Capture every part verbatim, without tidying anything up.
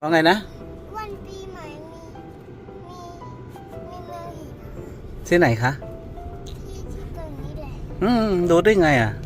ว่าไงนะวันปีใหม่มีมีมีเมืองหินที่ไหนคะที่ที่ตรงนี้แหละอืมดูได้ไงอ่ะ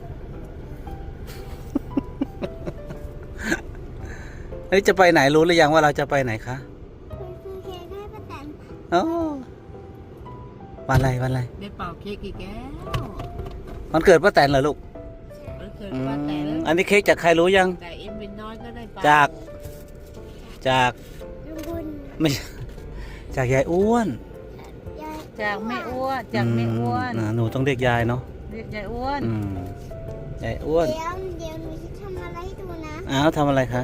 เฮ้ยจะไปไหนรู้หรือยังว่าเราจะไปไหนคะคุณซื้อเค้กให้ป้าแตนโอ้วันอะไรวันอะไรได้เป่าเค้กกี่แก้ววันเกิดป้าแตนเหรอลูกวันเกิดอืป้าแตนมอันนี้เค้กจากใครรู้ยังแต่เอ็มเป็นน้อยก็ได้เป่าจากจากลุงบุญไม่ใช่จากยายอ้วนยายจากแม่อ้วนจากแม่อ้วนอืมอ่าหนูต้องเรียกยายเนาะเรียกยายอ้วนอืมยายอ้วนเดี๋ยวเดี๋ยวหนูจะทำอะไรให้ดูนะอ้าวทำอะไรคะ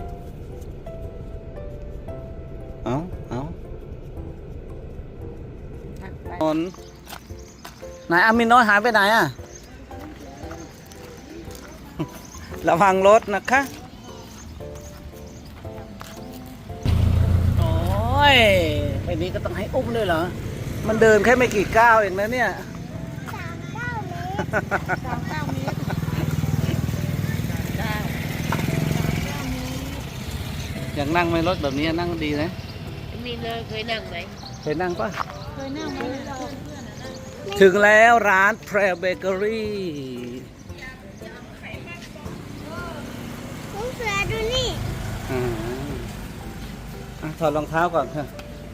เอ้าเอ้าไปนนไหนอามินน้อยหายไปไหนอ่ะ ระวังรถนะคะโอ้ยไอ้นี้ก็ต้องให้อุ้มด้วยเหรอมันเดินแค่ไม่กี่ก้าวเองนะเนี่ยสามเก้าเมตรสามเก้าเมตรเก้าอยากนั่งไหมรถแบบนี้นั่งดีนะมีเลยเคยนั่งไหมเคยนั่งปะเคยนั่งไหมถึงแล้วร้านแพรเบเกอรี่ลุงเสือดูนี่อ่าอ่ะถอดรองเท้าก่อนค่ะ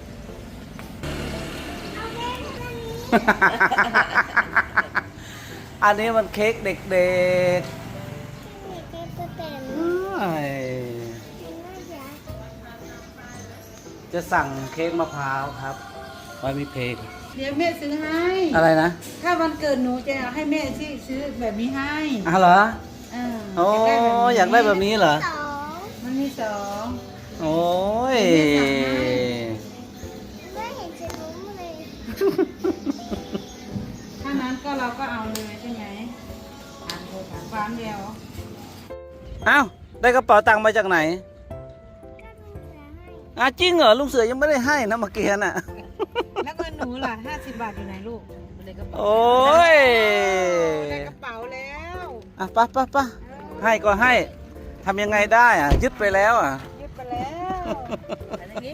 เอาเค้กตัวนี้อันนี้มันเค้กเด็กนี่เค้กป้าแตนๆเอ้ยเห็นไหมยายจะสั่งเค้กมะพร้าวครับไว้มีเพลงเดี๋ยวแม่ซื้อให้อะไรนะถ้าวันเกิดหนูจะให้แม่ที่ซื้อแบบนี้ให้อ่ะเหรอเออโอ้อยากได้แบบนี้เหรอสองมันมีสองโอ้ยไม่เห็นจะรู้เลยถ้านั้นก็เราก็เอาเลยใช่ไหมถามโทรถามฟานเดียวเอ้าได้กระเป๋าตังค์มาจากไหนก็ลุงเสือให้อ่ะจริงเหรอลุงเสือยังไม่ได้ให้นะเมื่อกี้น่ะแล้วเงินหนูล่ะห้าสิบบาทอยู่ไหนลูกในกระเป๋าโอ้ยได้กระเป๋าแล้วอ่ะปะปะปะให้ก็ให้ทำยังไงได้อ่ะ ยึดไปแล้วอ่ะยึดไปแล้วอะไรนี้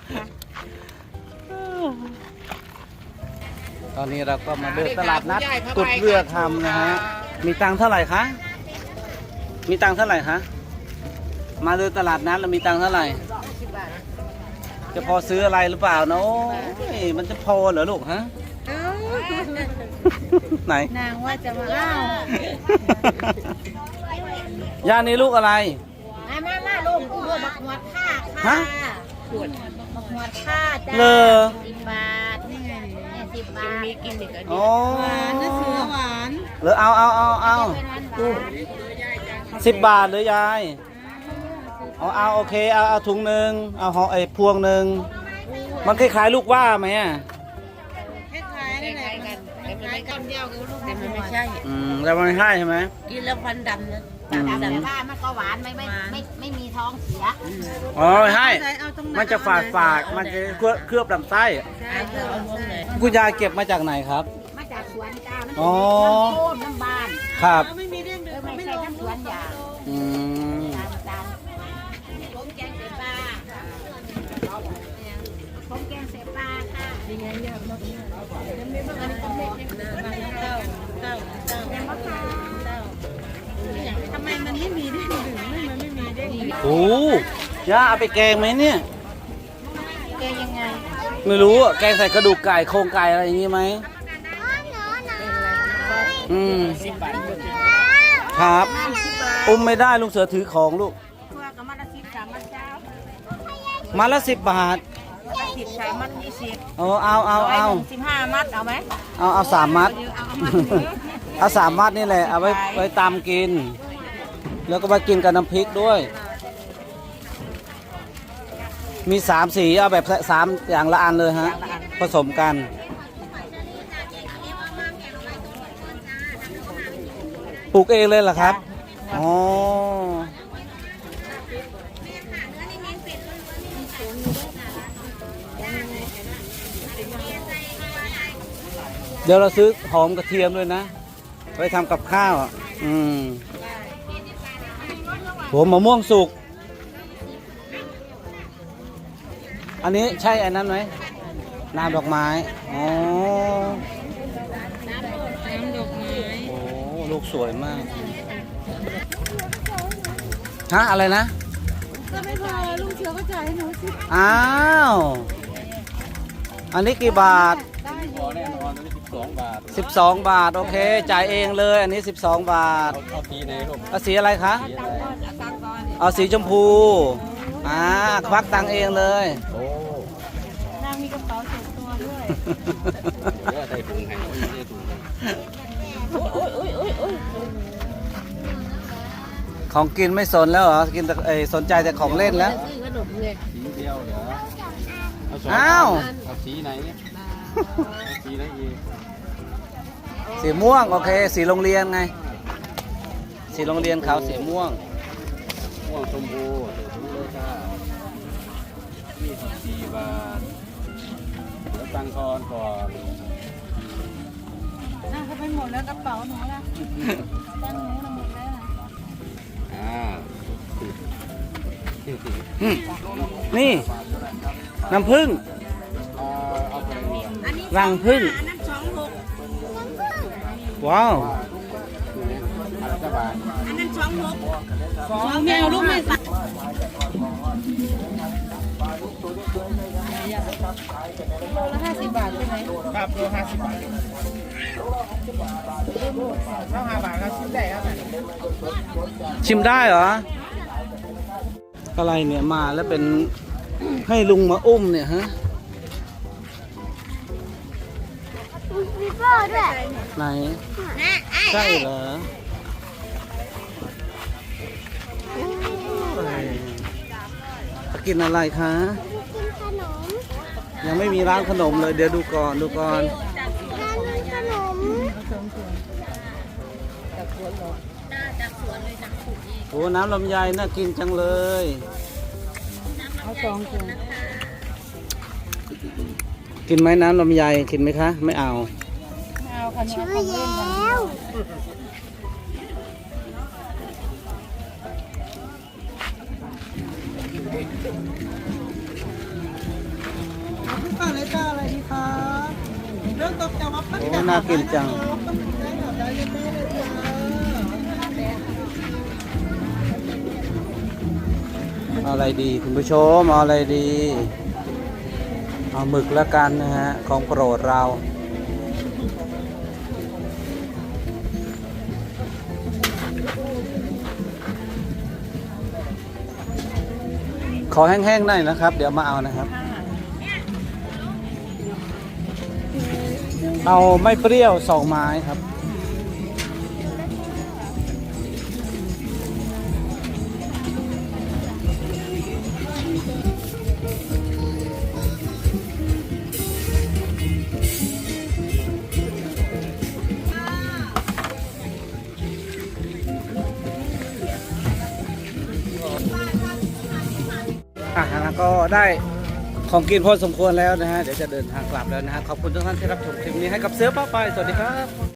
ตอนนี้เราก็มาเดินตลาดนัดกุดเรือคำนะฮะ มีตังค์เท่าไหร่คะ มีตังค์เท่าไหร่คะ มาเดินตลาดนัดแล้วมีตังค์เท่าไหร่สิบบาทจะพอซื้ออะไรหรือเปล่าเนาะมันจะพอเหรอลูกฮะเอ้าไหนนางว่าจะมาเล่าย่านี่ลูกอะไรมามามาลูกลูกบักหวดค่าฮะขวดบักหวดค่าจ้าเลอสิบบาทนี่ไงเนี่ยสิบบาทมีกินเด็กอันโอ้นี้หวานนะเสือหวานเหรือเอาเอาเอาเอาเป็นหวานหวานสิบบาทเลยยายเอาเอาโอเคเอาเอาถุงหนึ่งเอาห่อไอ้พวงหนึ่งมันคล้ายๆลูกว่าไหมอ่ะคล้ายๆนี่แหละกันคล้ายๆกันเดียวกับลูกแต่มันไม่ใช่อืมแต่มันไม่ใช่ใช่ไหมกินแล้วฟันดำนะอืมแต่ว่ามันก็หวานไม่ไม่ไม่ไม่มีท้องเสียอ๋อไม่ใช่มันจะฝาดฝาดมันจะเคลือบเคลือบลำไส้ใช่เพื่อเอาลงเลยคุณยายเก็บมาจากไหนครับมาจากสวนจ้ามันอ๋อน้ำโค้นน้ำบานครับไม่มีเรื่องเอเดิอมไม่ไม่ใช่ลงน้ำสวนยางอืมตามตามผมแกงเสปลาผมแกงเสปลาค่ะยังไงเนี่ยมันต้องยังไม่ต้องอันนี้ต้องเล็กนะบางเต้าเต้าเต้าแกงมะพร้าวเต้าทำไมมันไม่มีเด้งดึงไม่มันไม่มีเด้งดึงโอ้ย่าเอาไปแกงไหมเนี่ยแกยังไงไม่รู้อะแกงใส่กระดูกไก่โครงไก่อะไรอย่างงี้ไหมอ๋อหนอหนออืมสิบบาทครับ อุ้มไม่ได้ลุงเสือถือของลูกทั่วกับมัดละสิบสามมัดเช้ามาละสิบบาทมัดสิบสามมัดยี่สิบเอาเอาเอาเอาสิบห้ามัดเอาไหมเอาเอาสามมัดเอามัดเอาสามมัดนี่แหละ เอาไว้ไว้ตามกิน แล้วก็มากินกับน้ำพริกด้วย มีสามสีเอาแบบสามอย่างละอันเลยฮะ ผสมกัน ปลูกเองเลยเหรอครับ อ๋อ เดี๋ยวเราซื้อหอมกระเทียมด้วยนะ ไว้ทำกับข้าวอ่ะ อืมหัวมะม่วงสุกอันนี้ใช่อันนั้นไหมน้ำดอกไม้อ๋อน้ำดอกไม้โอ้ลูกสวยมากฮะอะไรนะก็ไม่พอลูกเชือก็จ่ายให้หนูสิอ้าวอันนี้กี่บาทได้อพอยู่ แน่นอนสิบสองบาทสิบสองบาทโอเคจ่ายเองเลยอันนี้สิบสองบาทเอาสีไหนลูกเอาสีอะไรคะสีอะไรตังก่อนเอาสีชมพูอ่าควักตังค์เองเลยโอ้นางมีกระเป๋าส่วนตัวด้วยเดี๋ยวใส่ถุงให้ไม่ได้ถุงโอ้ยโอ้ยโอ้ยโอ้ยของกินไม่สนแล้วเหรอกินแต่เอ้ยสนใจแต่ของเล่นแล้วซื้อขนมเลยสีเดียวเหรอเอาสองอ้าวเอาสีไหนเอาสีไหนอีกสีม่วงโอเค สีโรงเรียนไง สีโรงเรียนเขาสีม่วงม่วงชมพูถุงเลยค่ะยี่สิบสี่บาทแล้วตังทอนก่อนน่าจะไปหมดแล้วกระเป๋าหนูละตั้งหนูน่ะหมดแล้วนะอ่าอืมนี่ น้ำผึ้งเอาเอาไปเลยอันนี้รังผึ้งอันนั้นสองหกว้าวอันละบาทอันนั้นสองหกสองแมวลูกไม่สั่โลละห้าสิบบาทใช่ไหมครับโลห้าสิบบาทถ้าห้าบาทก็ชิ้นได้ครับชิมได้เหรอ อะไรเนี่ยมาแล้วเป็นให้ลุงมาอุ้มเนี่ยฮะมีพ่อด้วยไหนนะไอ้ใช่เหรอเอ้ยจะกินอะไรคะกินขนมยังไม่มีร้านขนมเลยเดี๋ยวดูก่อนดูก่อนร้านมีขนมโอ้น้ำลำไยน่ากินจังเลยเอาสองถุงกินไหมน้ำลำไยกินไหมคะ ไม่เอาไม่เอาค่ะชื่อเอาของเล่นแย้กันวอะไรจ้าอะไรดีคะเรื่องตกแต่ว่าปั้นโอ้น่ากินจังได้หน่อได้เลยแม่เลยจ้าเอาอะไรดีคุณผู้ชมเอาอะไรดี เอาหมึกแล้วกันนะฮะของโปรดเรา ขอแห้งๆหน่อยนะครับ เดี๋ยวมาเอานะครับ เอาไม่เปรี้ยวสองไม้ครับ อ่ะแล้วก็ได้ของกินพอสมควรแล้วนะฮะ เดี๋ยวจะเดินทางกลับแล้วนะฮะ ขอบคุณทุกท่านที่รับชมคลิปนี้ให้กับเสือป้าไป สวัสดีครับ